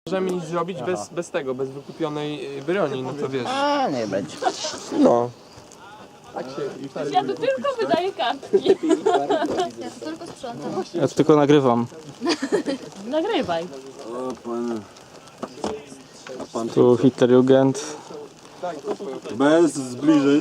Możemy nic zrobić bez tego, bez wykupionej broni, no to wiesz. A nie będzie. No. Ja tu tylko wydaję kartki. Ja to tylko sprzątam. Ja to tylko nagrywam. Nagrywaj. Tu Hitlerjugend. Bez zbliżeń.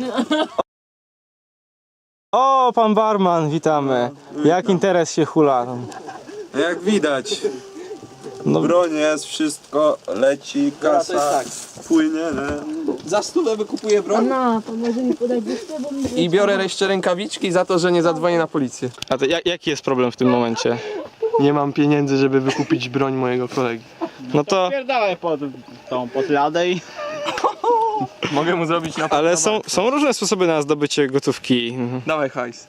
O, pan barman, witamy. Jak interes się hula? Jak widać, No, broń jest, wszystko leci, kasa płynie. Nie? Za stówę wykupuję broń No, to może mi podać listę, bo mi... i biorę jeszcze rękawiczki za to, że nie zadzwonię na policję. a to jaki jest problem w tym momencie? Nie mam pieniędzy, żeby wykupić broń mojego kolegi. No to, Pierdalaj pod ladę i... Mogę mu zrobić na ale są różne sposoby na zdobycie gotówki. Dawaj hajs.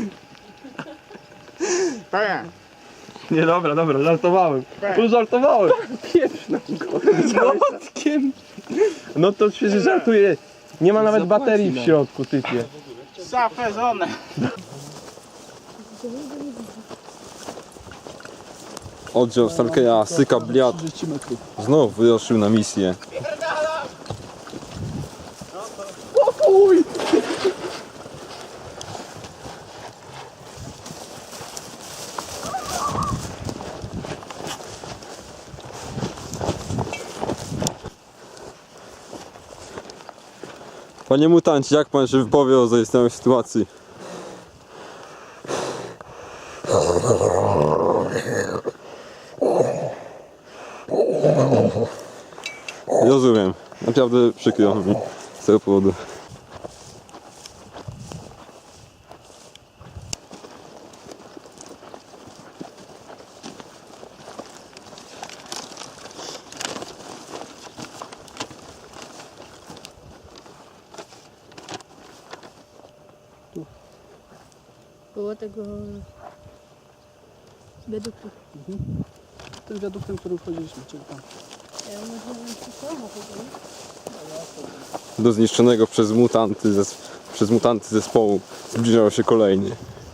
Nie, dobra, żartowałem. Żartowałem. Pieprz na go. Młotkiem. No to przecież żartuję. Nie ma nawet baterii w środku, typie. Zafezone. Oddział Starkeja Syka Bliat znów wyruszył na misję. Panie mutancie, jak pan się wypowie o zaistniałej sytuacji? Rozumiem. Naprawdę przykro mi z tego powodu. Było tego... Wiaduktu. Tym wiaduktem, którym wchodziliśmy, czyli tam. Ja może nie Do zniszczonego przez mutanty zespołu zbliżał się kolejny.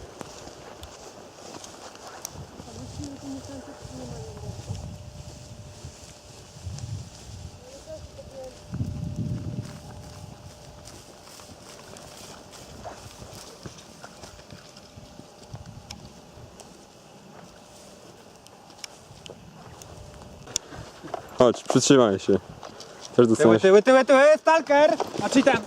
Chodź, przytrzymaj się. Też dostaniesz. Tyły, stalker! A czy tam?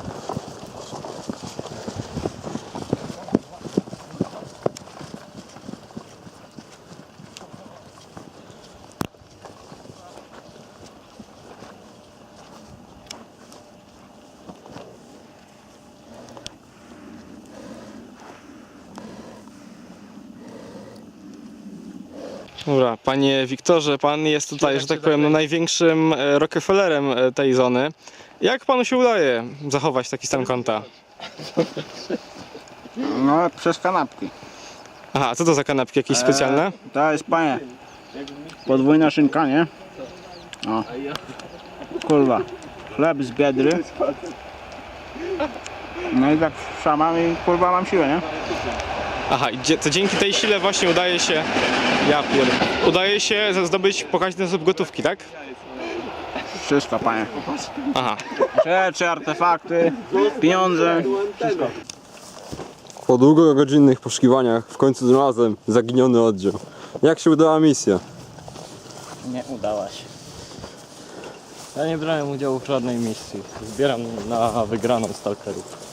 Dobra, panie Wiktorze, pan jest tutaj, że tak powiem, no, największym Rockefellerem tej zony. Jak panu się udaje zachować taki stan konta? No, przez kanapki. Aha, co to za kanapki jakieś specjalne? To jest, panie, podwójna szynka, nie? O. Kurwa. Chleb z biedry. No i tak szamam i kurwa mam siłę, nie? Aha, i to dzięki tej sile właśnie udaje się, udaje się zdobyć pokaźny zasób gotówki, tak? Wszystko, panie. Aha. Rzeczy, artefakty, pieniądze, wszystko. Po długogodzinnych poszukiwaniach w końcu znalazłem zaginiony oddział. Jak się udała misja? Nie udała się. Ja nie brałem udziału w żadnej misji. Zbieram na wygraną stalkerów.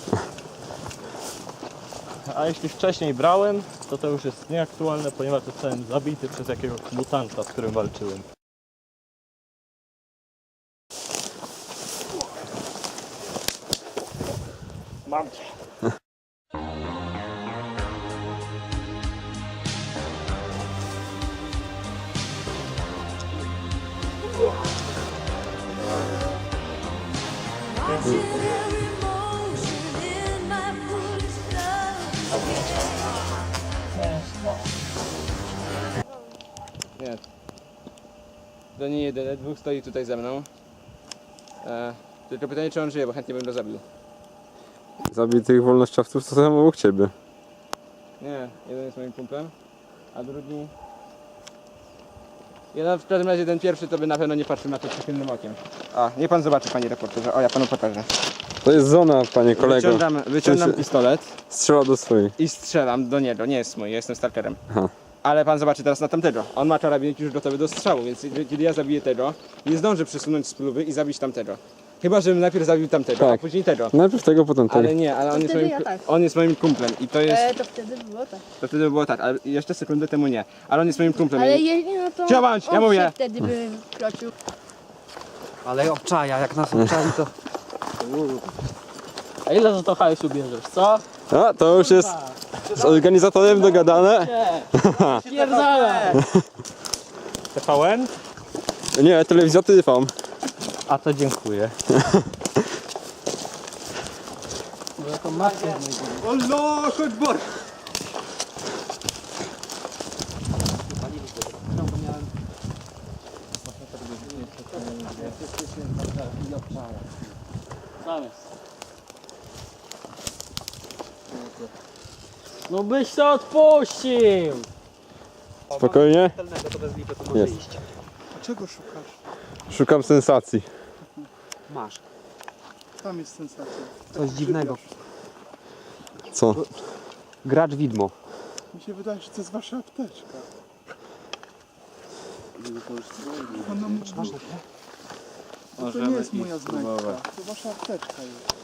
A jeśli wcześniej brałem, to już jest nieaktualne, ponieważ zostałem zabity przez jakiegoś mutanta, z którym walczyłem. Mam cię. Nie. To nie jeden, dwóch stoi tutaj ze mną. Tylko pytanie, czy on żyje, bo chętnie bym go zabił. Zabitych wolnościowców to są obok ciebie. Nie, jeden jest moim kumplem, a drugi Ja w każdym razie ten pierwszy to by na pewno nie patrzył na to przychylnym okiem. O, niech pan zobaczy, panie reporterze. O, ja panu pokażę. To jest zona, panie kolego. Wyciągam Sensie- pistolet Strzela do swojej. i strzelam do niego. Nie jest mój, ja jestem stalkerem. Aha. Ale pan zobaczy teraz na tamtego. On ma karabin już gotowy do strzału, więc kiedy ja zabiję tego, nie zdążę przesunąć spluwy i zabić tamtego. Chyba, żebym najpierw zabił tamtego, a Tak. później tego. Najpierw tego, potem tego. Ale nie, ale on jest, wtedy moim, ja tak. on jest moim kumplem i to jest... To wtedy było tak. To wtedy było tak, ale jeszcze sekundę temu nie. Ale on jest moim kumplem. Ale i... jeśli no to Działać, ja on mówię. się wtedy by wkroczył. Ale obczaja, jak nas obczai to... A ile za to hajsu bierzesz, co? A, to już jest z organizatorem dogadane. Pierdolę! TVN? Nie, telewizja Tyfon. A to dziękuję. Allah, chodź bor! No byś to odpuścił! Spokojnie. Jest. Czego szukasz? Szukam sensacji. Masz. Tam jest sensacja. Coś dziwnego. Co? Gracz widmo. Mi się wydaje, że to jest wasza apteczka. Ona mówi, to nie jest moja znajdka. To wasza apteczka jest.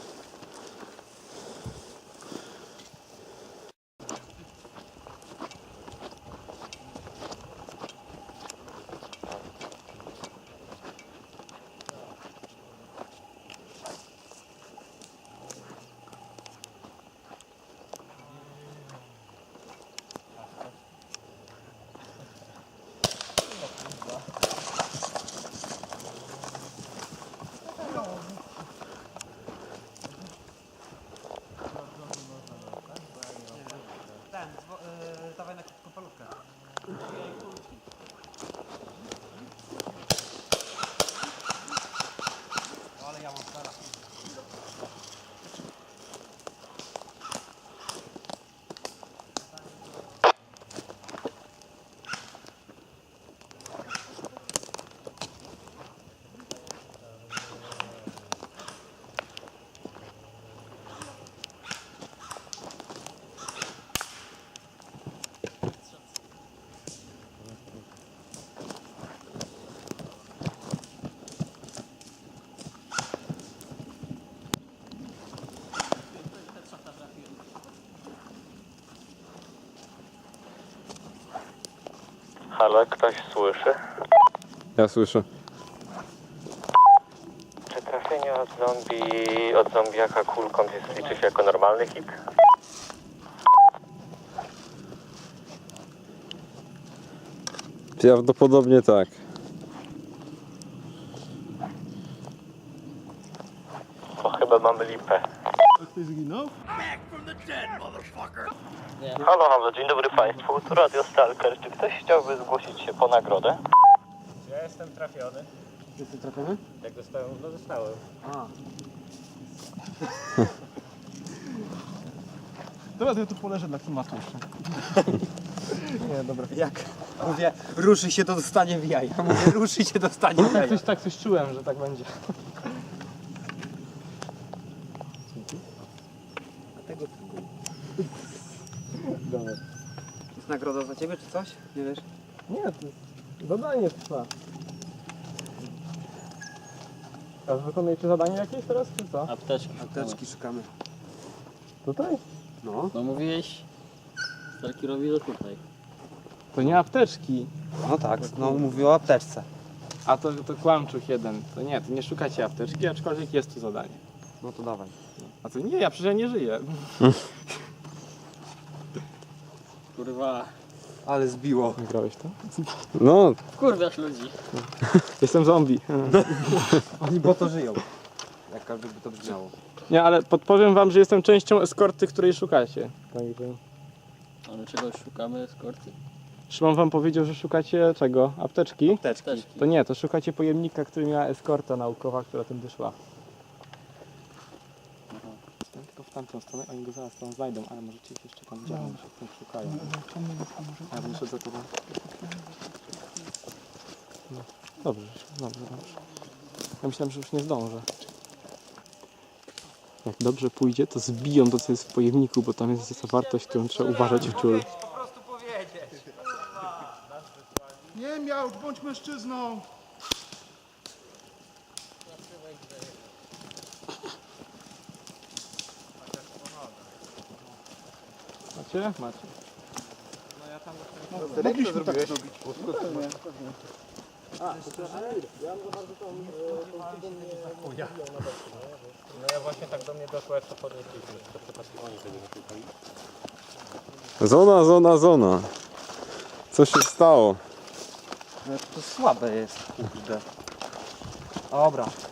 Halo, ktoś słyszy? Ja słyszę. Czy trafienie od zombiaka kulką liczy się jako normalny hit? Prawdopodobnie tak. To chyba mamy lipę. Ktoś zginął? Halo, halo, dzień dobry Państwu, tu Radio Stalker. Czy ktoś chciałby zgłosić się po nagrodę? Ja jestem trafiony. Jesteś trafiony? Jak dostałem, no dostałem. Dobra, to ja tu poleżę dla klimatu jeszcze. Jak mówię, ruszy się, to dostanie w jaja. Mówię, ruszy się, dostanie w jaja. Coś czułem, że tak będzie. Jest nagroda za ciebie, czy coś? Nie wiesz? Nie, to zadanie trwa. A wykonujecie zadanie jakieś teraz, czy co? Apteczki. Apteczki szukamy. Tutaj? No. No mówiłeś, Stalkerowi, że tutaj. To nie apteczki. No tak, no mówił o apteczce. A to kłamczuch jeden. To nie szukacie apteczki, aczkolwiek jest tu zadanie. No to dawaj. A to nie, ja przecież nie żyję. Kurwa. Ale zbiło. Grałeś to? No, Wkurwiasz ludzi. Jestem zombie. Oni bo to żyją. Jak każdy by to brzmiało. Nie, ale podpowiem wam, że jestem częścią eskorty, której szukacie. Także... Ale czegoś szukamy, eskorty. Szymon wam powiedział, że szukacie czego? Apteczki? Apteczki. To nie, to szukacie pojemnika, który miała eskorta naukowa, która tędy szła. Tylko w tamtą stronę, oni go zaraz tam znajdą, ale możecie ich jeszcze tam działać, jak tam szukają. Ja bym szedł za tobą. Dobrze, dobrze. Ja myślałem, że już nie zdążę. Jak dobrze pójdzie, to zbiją to, co jest w pojemniku, bo tam jest zawartość, którą trzeba uważać w ciulu. Nie miał, bądź mężczyzną. Macie? Macie. Mogliśmy tak zrobić. Zona, zona, zona. Co się stało? To słabe jest, kurde. Dobra.